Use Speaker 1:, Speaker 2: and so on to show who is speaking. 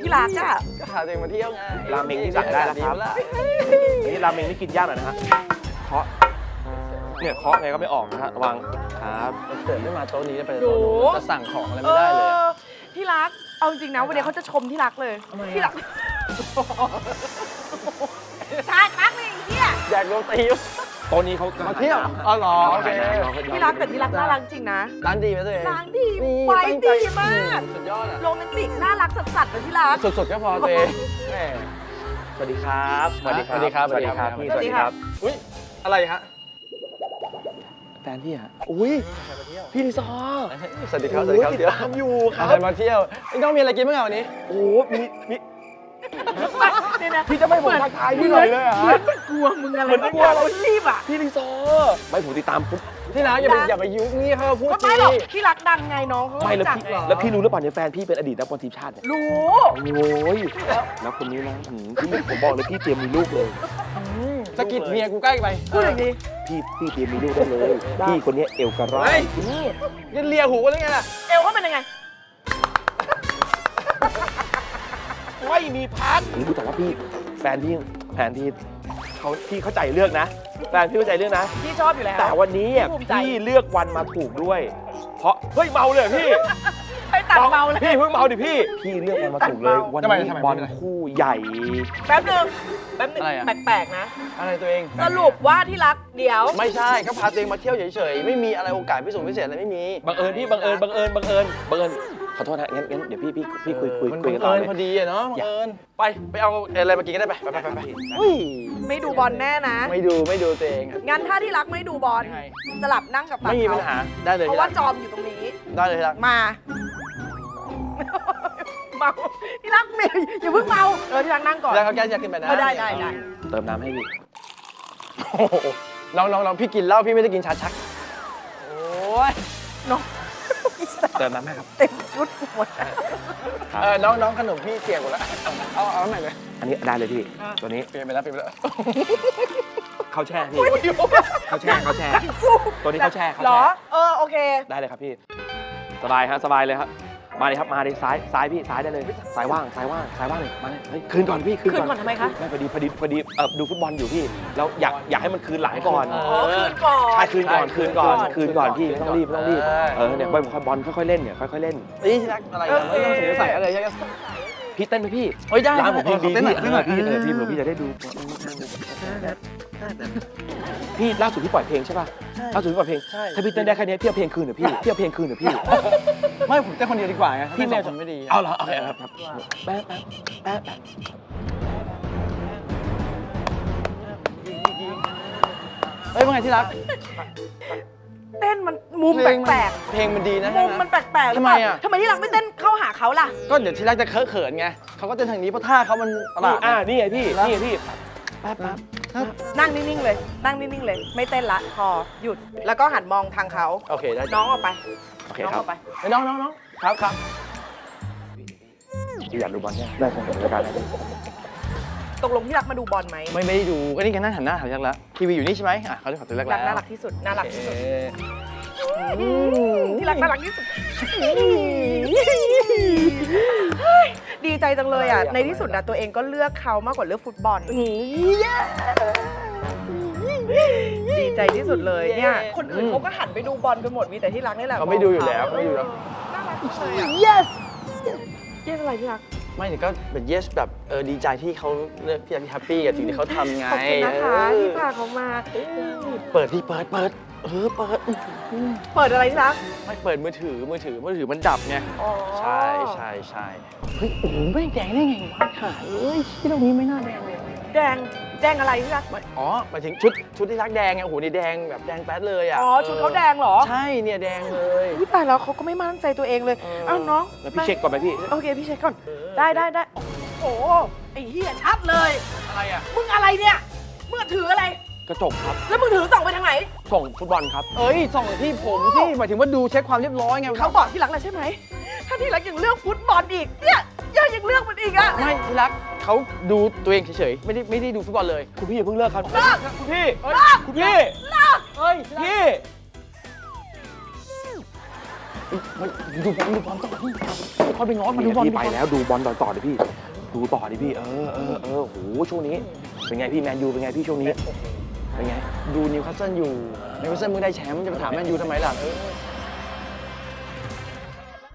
Speaker 1: รักอ่ะ
Speaker 2: ก็พาตัวเองมาเที่ยวไง
Speaker 3: ราเมงที่สั่งได้แล้วครับนี่ราเมงนี่กินยากหน่อยนะฮะเคาะเนี่ยเคาะไงก็ไม่ออกนะฮะระวังครับ
Speaker 2: เกิดไม่มาโต๊ะนี้จะไปโต๊ะนู้นจะสั่งของอะไรไม่ได้เลย
Speaker 1: ที่รักเอาจริงนะวันนี้เขาจะชมที่รักเลยที่รักชาชักเลยไอ้เหี้ย
Speaker 2: อยากโดนตี
Speaker 3: โต๊ะนี้เขา
Speaker 2: มาเที่ยวอ๋อเหรอโอเค
Speaker 1: ที่รักแต่ที่รักน่ารักจริงนะ
Speaker 2: ร้านดีไหมตัวเอง
Speaker 1: ร้านดีไว้ดีมาก
Speaker 2: สุดยอดอ่ะ
Speaker 1: โรแมนติกน่ารักสัสๆเลยที่รัก
Speaker 2: สุดๆก็พอตัวเองแหม
Speaker 3: สวัสดีครับ
Speaker 2: สวัสดีครับ
Speaker 3: สวัสดีครับพี่
Speaker 1: สวัสดีครับ
Speaker 2: อุ้ยอะไรฮะ
Speaker 3: แฟนพี่ฮะอุ้ยพี่ลิซอ
Speaker 2: สวัสดีครับสวัสดีครับเดี๋ยว
Speaker 3: ทำอยู่ครับ
Speaker 2: ใครมาเที่ยวไอ้น้องมีอะไรกินบ้างอ่ะวันนี้
Speaker 3: โอ้มี
Speaker 1: เนี่ยนะ
Speaker 3: พี่จะไม่ผมทักทายพี่หน่อยเลยเหรอ
Speaker 1: เหมือนกลัวมึงอะไร
Speaker 3: เหมือนกลัวเรา
Speaker 1: รีบอ่ะ
Speaker 3: พี่ลิซอไม่ผมติดตามปุ๊บ
Speaker 2: ที่ร้านอย่าไปยุ่งนี่เขาพูด
Speaker 1: ก็
Speaker 2: จริ
Speaker 1: ไม่
Speaker 2: ง
Speaker 1: หรอกที่รักดังไงน้องเขา
Speaker 3: ไม่แล้ว
Speaker 1: จัก
Speaker 3: พี่แล้วพี่รู้หรือเปล่าเนี่ยแฟนพี่เป็นอดีตนักบอลทีมชาติเนี่ย
Speaker 1: รู้
Speaker 3: โอ้ยแล้วคนนี้นะพี่ผมบอกเลยพี่เตรียมมีลูกเลย
Speaker 2: สะกิดเมียกูใกล้ไป
Speaker 1: พูดอย่างนี้
Speaker 3: พี่เตรียมมีลูกได้เลย พี่คนนี้เอวกระร้อ
Speaker 2: เฮ้
Speaker 3: ย
Speaker 2: ยยันเลียหูกันได้ไงล่ะ
Speaker 1: เอวเขาเป็นยังไง
Speaker 3: ไม่มีพักนี่ดูแต่ว่าพี่แฟนพี่พี่เข้าใจเลือกนะแฟนพี่เข้าใจเลือกนะ
Speaker 1: พี่ชอบอยู่แล้ว
Speaker 3: แต่วันนี้อ่ะ
Speaker 1: ภูมิใจ
Speaker 3: พี่เลือกวันมาถูกด้วย เพราะเฮ้ยเมาเลยเหรอพี่
Speaker 1: ไปตัดเมาเลย
Speaker 3: พี่เพิ่งเมาดิพี่เลือกวันมาถูกเลยวันนี้บอลคู่ใหญ่
Speaker 1: แป๊บนึงแปลกๆนะ
Speaker 2: อะไรตัวเอง
Speaker 1: สรุปว่าที่รักเดี๋ยว
Speaker 2: ไม่ใช่ก็พาตัวเองมาเที่ยวเฉยๆไม่มีอะไรโอกาสพิเศษพิเศษอะไรไม่มี
Speaker 3: บังเอิญพี่บังเอิญขอโทษนะงั้นเดี๋ยวพี่คุย
Speaker 2: มัน
Speaker 3: กันต่อ
Speaker 2: เอิญ
Speaker 3: เลย
Speaker 2: พอดีอะเนาะบังเอิญไปเอาอะไรมากินก็ได้ไปอุ้ย
Speaker 1: ไม่ดูบอลแน่นะ
Speaker 2: ไม่ดูตัวเองอะ
Speaker 1: งั้นถ้าที่รักไม่ดูบอล
Speaker 2: ยังไง
Speaker 1: สลับนั่งกับฝั่ง
Speaker 2: ไม่มีปั
Speaker 1: เขา
Speaker 2: ญหาได้เลย
Speaker 1: เพราะ
Speaker 2: ที่
Speaker 1: ว่า
Speaker 2: รัก
Speaker 1: จอมอยู่ตรงนี้
Speaker 2: ได้เลยที่รัก
Speaker 1: มา เมาที่รักเมย์อย่าเพิ่งเมาที่รักนั่งก่อน
Speaker 2: แล้วเขาแก้จะกินแบบนั้น
Speaker 1: ได้
Speaker 3: เติมน้ำให้พี่
Speaker 2: โอ้โหน้องพี่กินเหล้าพี่ไม่ได้กินชาชักโอ้ย
Speaker 1: น้อง
Speaker 3: เติมน้ำให้ครับ
Speaker 1: เต็มชุดหมด
Speaker 2: น้องขนมพี่เสียหมดแล้วเอาใหม่เลย
Speaker 3: อันนี้ได้เลยพี่ตัวนี้
Speaker 2: เปลี่ยนไปแล้ว
Speaker 3: เขาแช่พี่เขาแช่
Speaker 1: สู้
Speaker 3: ตัวนี้เขาแช่
Speaker 1: เหรอโอเค
Speaker 3: ได้เลยครับพี่สบายฮะสบายเลยครับมาเลยครับมาเลยซ้ายพี่ซ้ายได้เลยซ้ายว่างเลยมาเลยเฮ้ยคืนก่อนพี่
Speaker 1: คืนก่อนทำไมคะ
Speaker 3: ไม่พอดีดูฟุตบอลอยู่พี่แล้วอยากให้มันคืนหลังก่อน
Speaker 1: คืนก่อน
Speaker 3: ใช่คืนก่อนพี่ไม่ต้องรีบเนี่ยบอลค่อยๆเล่นเนี่ยค่อยๆเล่น
Speaker 2: นี่ที่รักอะไรไม่ต้องสงสัยอะไรใช่ไหม
Speaker 3: พี่เต้นไหมพี่
Speaker 2: เฮ้ยได้
Speaker 3: ร้านผมเพลงดี
Speaker 2: เต้นหน่อย
Speaker 3: พี่พี่เผื่อพี่จะได้ดูพี่ล่าสุดพี่ปล่อยเพลงใช่ป่ะล่าสุดพี่ปล่อยเพลงถ้าพี่เต้นได้แค่นี้พี่เอาเพลงคืนเหรอพี่เอาเพลงคืนเหรอพี่
Speaker 2: ไม่ผมเต้นคนเดียวดีกว่าไงพี่แม่ผมไม่ดี
Speaker 3: เอาเหรอโอเคครับแป๊บ
Speaker 2: เฮ้ยว่าไงที่รัก
Speaker 1: เต้นมันมุมแปลก
Speaker 2: เพลงมันดีนะ
Speaker 1: ๆมุมมันแปลกๆหรือเปล่าทำไมที่รักไม่เต้นเข้าหาเขาล่ะ
Speaker 2: ก็เดี๋ยวที่รักจะเขินไงเขาก็เต้นทางนี้เพราะท่าเขามันประหลาด
Speaker 3: นี่ไงพี่แป๊บ
Speaker 1: นั่งนิ่งๆเลยไม่เต้นละพอหยุดแล้วก็หันมองทางเขา
Speaker 2: โอเคได้
Speaker 1: น้องออกไป
Speaker 3: โอเค
Speaker 1: น้อง
Speaker 3: ครั
Speaker 1: อบ อกไป
Speaker 2: น้องครับ
Speaker 3: พี่อยากดูบอลเนี่ยได้ครับรายการ
Speaker 1: ตกลงที่รักมาดูบอลไหม
Speaker 2: ไม่ได้ดูก็นี่กันนั่งหันหน้าหาที่รักแล้วทีวีอยู่นี่ใช่ไหมเขาจะขอตัวรัก
Speaker 1: รั
Speaker 2: แล้ว
Speaker 1: กน่ารักที่สุดที่รักน่ารักที่สุดดีใจจังเลยอ่ะในที่สุดนะตัวเองก็เลือกเขามากกว่าเลือกฟุตบอลดีใจที่สุดเลยเนี่ยคนอื่นเขาก็หันไปดูบอลกันหมดมีแต่ที่รักนี่แหละ
Speaker 2: เขาไม่ดูอยู่แล้วเขาไม่ดูแล้ว
Speaker 1: น่ารักเลยอ่ะ yes อะไรที่รัก
Speaker 2: ไม่แต่ก็เป็น yes แบบดีใจที่เขาเลือกที่แฮปปี้กับสิ่งที่เขาทำไง
Speaker 1: ขอบคุณนะคะที่พาเขามา
Speaker 2: เปิดที่เปิดเปิด
Speaker 1: เปิดอะไรที่รัก
Speaker 2: ไม่เปิดมือถือมันดับไง
Speaker 1: อ๋อ
Speaker 2: ใช่เฮ้ยโอ้โหไม่แดงได้ไงวะหาที่ตรงนี้ไม่น่าแดงเลย
Speaker 1: แดงอะไรที่รัก
Speaker 2: อ๋อหมายถึงชุดที่รักแดงไงโอ้โหนี่แดงแบบแดงแป๊ดเลยอ่ะ
Speaker 1: อ๋อชุดเขาแดงเหรอ
Speaker 2: ใช่เนี่ยแดงเลย
Speaker 1: อุ๊ยตายแล้วเขาก็ไม่มั่นใจตัวเองเลยอ้าวน้อง
Speaker 3: แล้วพี่เช็คก่อนไหมพี่
Speaker 1: โอเคพี่เช็คก่อนได้โอ้ไอ้เหี้ยชัดเลย
Speaker 2: อะไรอ่ะ
Speaker 1: มึงอะไรเนี่ยมึงถืออะไร
Speaker 3: กระจกครับ
Speaker 1: แล้วมึงถือส่องไปทางไหน
Speaker 3: ส่งฟุตบอลครับ
Speaker 2: เอ้ยส่องที่ผมที่หมายถึงว่าดูเช็คความเรียบร้อยไง
Speaker 1: เขาบอกที่รักแล้วใช่ไหมถ้าที่รักยังเลือกฟุตบอลอีกเนี่ยยังเลือกมันอีกอะ
Speaker 2: ไม่ที่รักเขาดูตัวเองเฉยๆไม่ได้ดูฟุตบอลเลย
Speaker 3: คุณพี่อย่าเพิ่งเลิกครับ
Speaker 1: เลิก
Speaker 3: คุณพี่
Speaker 1: เลิก
Speaker 3: คุณพี่
Speaker 2: เอ้ย
Speaker 3: พี่
Speaker 2: ดูบอลต่อพี่เขาไปง้อมาดูบอล
Speaker 3: พี่ไปแล้วดูบอลต่อเลยพี่ดูต่อดิพี่โหช่วงนี้เป็นไงพี่แมนยูเป็นไงพี่ช่วงนี้เป็นไง
Speaker 2: ดูนิวคาสเซิลอยู่นิวคาสเซิลมึงได้แชมป์จะมาถามแมนยูทำไมล่ะ